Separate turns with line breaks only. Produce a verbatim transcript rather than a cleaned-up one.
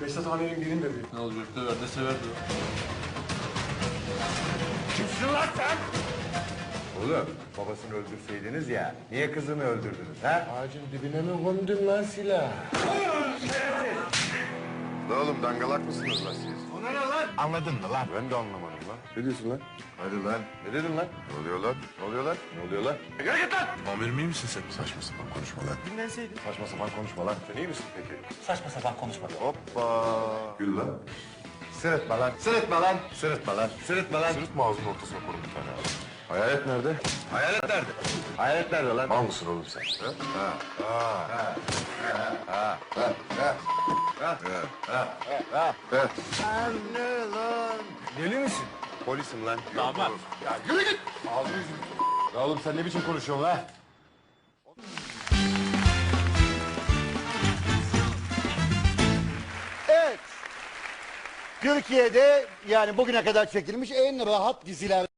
Behzat Amirim gelin dedi.
Ne olacak? Döver de severdi o.
Kimsin lan sen? Oğlum babasını öldürseydiniz ya, niye kızını öldürdünüz ha?
Ağacın dibine mi kondun lan silah?
La oğlum dangalak mısınız lan siz?
Ona ne lan? Anladın mı lan?
Ben de anlamadım lan.
Ne diyorsun lan?
Hadi lan.
Ne dedin lan?
Ne oluyor lan?
Ne oluyor lan?
Ne oluyor lan?
Yürü git lan!
Amirim iyi misin sen? Saçma sapan konuşma lan.
Dinlenseydin.
Saçma sapan konuşma lan. Sen iyi misin peki?
Saçma sapan konuşma.
Hoppa. Gül lan.
Sırıtma lan. Sırıtma lan. Sırıtma lan. Sırıtma lan.
Sırıtma ağzının ortasına koyun bir tane abi. Hayalet nerede?
Hayalet nerede? Hayalet nerede lan?
Mal mısın oğlum sen? Ha? Ha. Ha. Ha. Ha. Ha. Ha. Ha. Ha. Ha.
Anne lan. Deli misin?
Polisim lan.
Damat.
Ya yürü git. Ağzını yüzünü.
Ya oğlum sen ne biçim konuşuyorsun lan?
Evet. Türkiye'de yani bugüne kadar çekilmiş en rahat diziler.